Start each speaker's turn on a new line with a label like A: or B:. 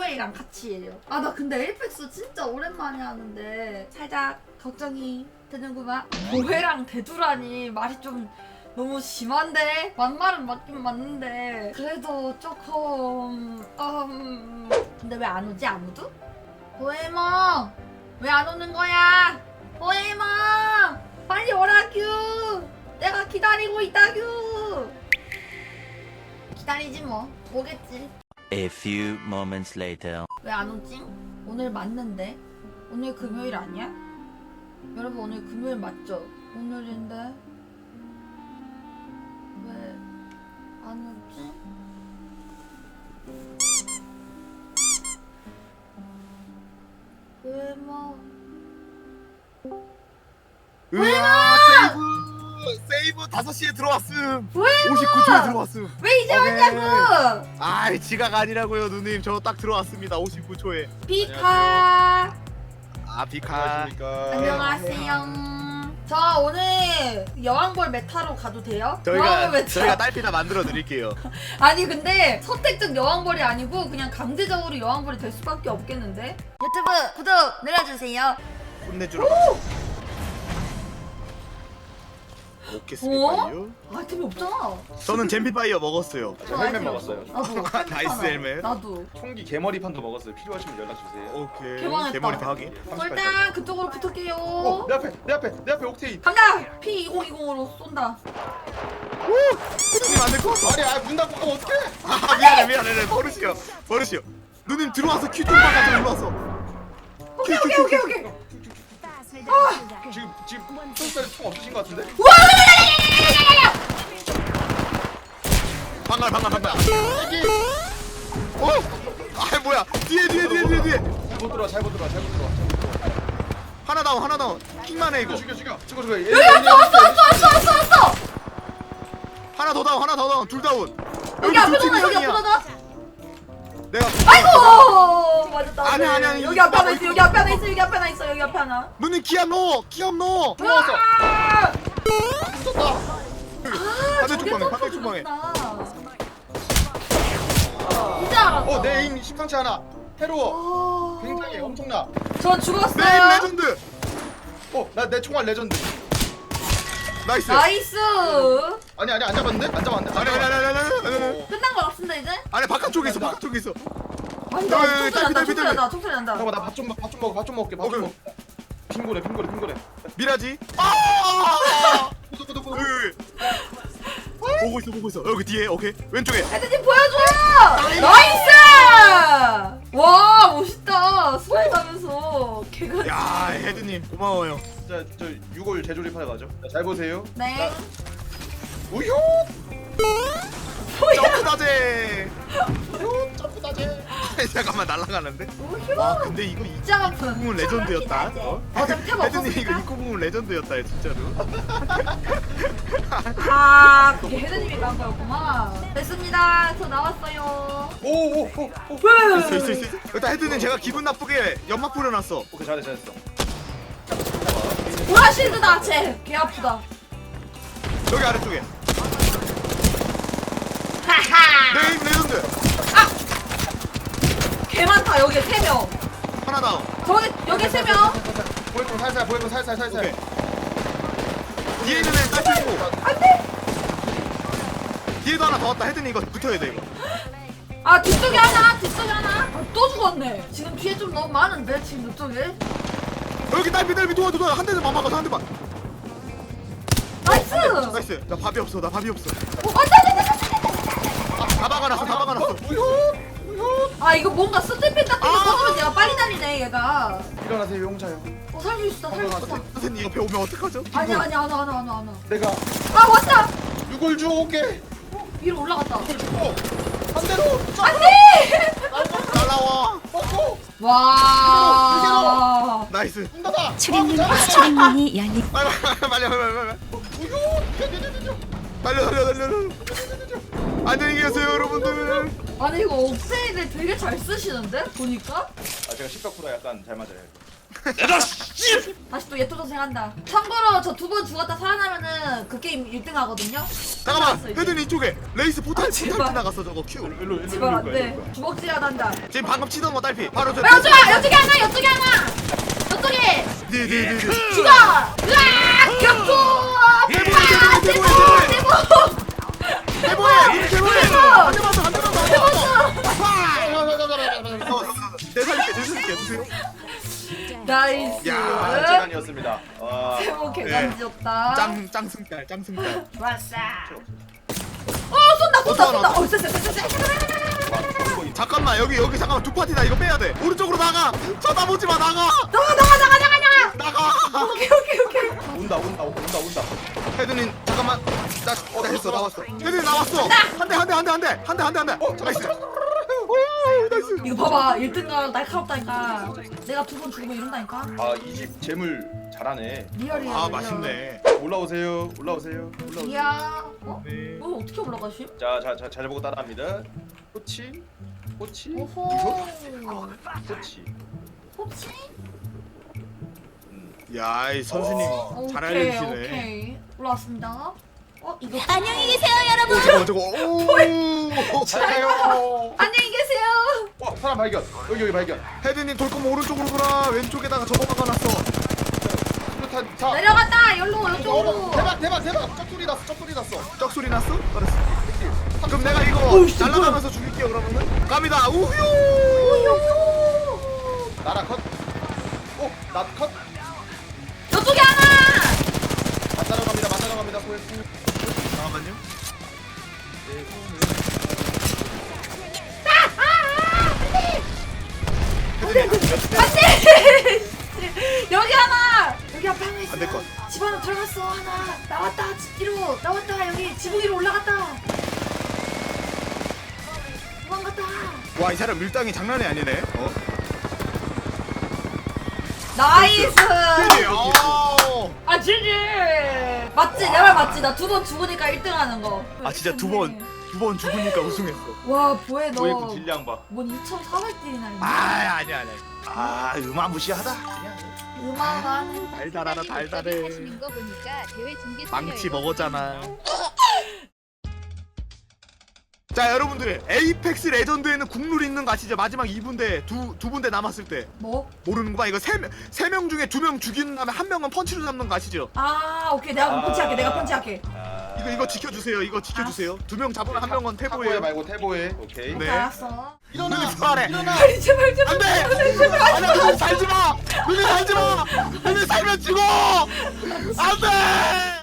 A: 금요일이랑 같이 해요. 아 나 근데 에이펙스 진짜 오랜만에 하는데 살짝 걱정이 되는구만. 고해랑 대두라니 말이 좀 너무 심한데? 막말은 맞긴 맞는데 그래도 조금 근데 왜 안 오지 아무도? 호에몽 왜 안 오는 거야? 호에몽 빨리 오라규. 내가 기다리고 있다규. 기다리지 뭐. 오겠지.
B: A few moments later.
A: 왜 안 오지? 오늘 맞는데? 오늘 금요일 아니야? 여러분 오늘 금요일 맞죠? 오늘인데 왜 안 오지? 왜 뭐?
C: 으아 세이브 5시에 들어왔음.
A: 왜
C: 59초에 들어왔음.
A: 왜 이제
C: 오케이.
A: 왔냐고!
C: 아이 지각 아니라고요 누님. 저 딱 들어왔습니다 59초에.
A: 비카
C: 아 비카.
A: 안녕하세요. 저 오늘 여왕벌 메타로 가도 돼요? 여왕벌 메타.
C: 저희가 딸피나 만들어 드릴게요.
A: 아니 근데 선택적 여왕벌이 아니고 그냥 강제적으로 여왕벌이 될 수밖에 없겠는데? 유튜브 구독 눌러주세요.
C: 혼내주러. 오케이 스피파이어.
A: 아이템이 없잖아.
C: 저는 잼피파이어 먹었어요.
A: 저
D: 헬멧
A: 아이템
D: 먹었어요.
A: 없어. 나도
C: 나이스 헬멧.
A: 나도.
D: 총기 개머리판도 먹었어요. 필요하시면 연락 주세요.
C: 오케이.
A: 개망했다.
C: 개머리 파기.
A: 일단 그쪽으로 붙을게요.
D: 내 앞에 옥테인.
A: 간다. P2020으로 쏜다.
C: 누님 안될 것 같아.
D: 아니, 문 닫고 가면 어떡해?
C: 아 미안해. 버릇이요. 누님 들어와서 큐 좀 박아줘. 일로 와서.
A: 오케이.
D: 지금 총살이 총 없으신 것 같은데?
C: 방갈. 아 뭐야? 뒤에.
D: 잘못 들어와.
C: 하나 다운. 킹만 해 이거.
D: 죽여.
A: 여기 왔어.
C: 하나 더 다운. 둘 다운.
A: 여기 앞에 놔.
C: 내가
A: 아이고 맞았다.
C: 아니.
A: 여기 앞에 하나 있어. 여기 앞에 하나.
C: 누님 기압 넣어.
D: 들어왔어.
C: 반대 쪽방에.
A: 이제 알았어.
D: 내 에임 심상치 않아. 해로워. 굉장히 엄청나.
A: 전 죽었어요.
C: 네임 레전드.
D: 내 총알 레전드.
C: 나이스.
D: 아니 안 잡았는데? 안 잡았는데?
C: 아니.
A: 끝난 거 같은데 이제?
C: 아니 바깥쪽에 있어.
A: 아니
C: 야,
A: 나
C: 딸피.
A: 총소리 난다.
D: 잠깐만 나 밥 좀 먹게. 밥 좀 먹게. 빙고래.
C: 미라지.
D: 구독.
C: 보고 있어. 여기 뒤에. 오케이. 왼쪽에.
A: 헤드님 보여줘. 나이스. 와 멋있다. 스파이 가면서 개가.
C: 야 헤드님 고마워요.
D: 저 6월 재조립하러 가죠. 잘 보세요.
A: 네.
D: 우효.
C: 점프 다제. 잠깐만 날아가는데.
A: 우효.
C: 와 근데 이거
A: 진짜 아픈.
C: 부분 레전드였다.
A: 어차피 템
C: 헤드님 이거
A: 없었으니까.
C: 입구 부분 레전드였다 진짜로.
A: 그게 헤드님이 간 거였구만. 됐습니다. 저 나왔어요.
D: 오.
C: 있어. 일단 헤드님 제가 기분 나쁘게 연막 뿌려놨어.
D: 오케이 잘했어.
A: 보라실드다 쟤. 개 아프다.
C: 여기 아래쪽에.
A: 하하.
C: 네임 레전드.
A: 개 많다. 여기 3명.
C: 하나 다운.
A: 여기 3명.
D: 보이고 살살.
C: 오케이. 뒤에 있는 애는 딸 있고.
A: 안돼.
C: 뒤에도 하나 더 왔다. 헤드님 이거 붙어야 돼 이거.
A: 아 뒤쪽에 하나. 또 죽었네. 지금 뒤에 좀 너무 많은데 지금 이쪽에.
C: 여기 딸피 도와. 한 대만 막아서 한 대만.
A: 나이스.
C: 나이스. 나 밥이 없어. 다 박아놨어.
A: 아 이거 뭔가 스태핑 같은 거 먹으면 얘가 빨리 다니네 얘가.
D: 일어나세요 용차요.
A: 살 수 있어.
C: 선생님 옆에 오면 어떡하죠?
A: 아니야 안 와.
D: 내가
A: 아 왔다.
D: 6월 주올게.
A: 위로 올라갔다.
D: 한 대로.
A: 안돼.
C: 날라와.
D: 먹고.
A: 와.
C: 나이스.
D: 문 닫아.
E: 출입문이 열리.
C: 빨리. 달려. 안녕히 계세요 여러분들.
A: 아니 이거 옥테인을 되게 잘 쓰시는데 보니까.
D: 제가 10%라 약간 잘 맞아요.
A: 다시 또 예토전생 한다. 참고로 저 2번 죽었다 살아나면은 그 게임 1등 하거든요.
C: 잠깐만
A: 끝났어, 이제.
C: 헤드님 이쪽에 레이스 포탈
A: 아, 제발.
C: 포탈 지나갔어 저거 큐.
D: 일로
A: 제발 안돼. 주먹질하다 한다.
C: 지금 방금 치던 거 딸피 바로 저
A: 여쪽에 여쪽에 하나 여쪽에 하나. 여쪽에
C: 네네네
A: 죽어. 으악 격투. 대보 대보
C: 대보해 대보해
A: 대보.
C: 한 대만 더한 대만 더 내 살릴게 주세요.
A: 나이스.
C: 야,
D: 재간이었습니다. 와.
A: 대보 개간지였다.
C: 짱 승달
A: 좋았어. 쏜다.
C: 잠깐만 여기 잠깐만 두 파티다 이거 빼야 돼 오른쪽으로 나가 쳐다보지 마 나가
A: 오케이.
D: 온다.
C: 헤드님 잠깐만 나 했어 나왔어 헤드님 나왔어 한대 나이스 나이스
A: 이거 봐봐 1등가 날카롭다니까. 내가 2번 죽으면 이런다니까.
D: 아, 이 집 재물 잘하네.
A: 리얼이야.
C: 아
A: 리얼.
C: 맛있네
D: 올라오세요.
A: 이야. 어?
C: 네.
A: 너 어떻게 올라가시?
D: 자, 잘 보고 따라합니다. 꼬치.
A: 오호.
D: 꼬치.
A: 혹시?
C: 야이 선수님 잘 알려주시네
A: 오케이. 올라왔습니다. 이거
E: 안녕히 계세요, 여러분.
C: 저거
D: 잘해요.
A: 안녕히 계세요.
D: 사람 발견. 여기 발견.
C: 헤드님 돌 거면 오른쪽으로 가라 왼쪽에다가 저거 박아놨어
D: 수류탄 자.
A: 내려간다. 여기로 이쪽으로.
D: 대박. 쩍소리 났어.
C: 쩍소리 났어? 알았어 그럼 내가 이거 날아가면서 죽일게요 그러면은 갑니다 우효
D: 나라 컷. 나 컷.
A: 저쪽에 하나.
D: 만나러 갑니다. 소했고.
C: 잠깐만요
A: 안돼. 여기 하나. 여기 앞에 하나 있어.
C: 안 될 것.
A: 집 하나 들어갔어. 하나 나왔다. 집 뒤로 나왔다. 여기 지붕 위로 올라갔다. 도망갔다.
C: 와 이 사람 밀당이 장난이 아니네
A: 나이스.
C: 아
A: 지지. 맞지? 내 말 맞지? 나 2번 죽으니까 1등 하는 거.
C: 진짜 두 번 죽으니까 우승했어
A: 와 보혜 너.
D: 소했고 딜량 봐.
A: 뭔 2,400딜이나 있네.
C: 아니야 음아무시하다 그냥
A: 음악하네.
C: 달달하다 달달해
F: 하시는 거 보니까 대회 중계
C: 망치 먹었잖아 자 여러분들 에이펙스 레전드에는 국룰이 있는 거 아시죠? 마지막 2분대 두 분대 남았을 때
A: 뭐?
C: 모르는구만 이거 3명 중에 2명 죽인 다음에 1명은 펀치로 잡는 거 아시죠?
A: 아 오케이 내가 펀치할게. 내가 펀치할게.
C: 이거 지켜주세요 이거 지켜주세요 2명 잡으면 1명은
D: 태보해
C: 태보예요
D: 말고 태보해. 오케이.
C: 네.
A: 알았어.
C: 눈이 부활해
A: 아니 제발 제발.
C: 안돼! 아니야 눈이 살지마! 눈이 살지마! 눈이 살면 죽어! 안돼!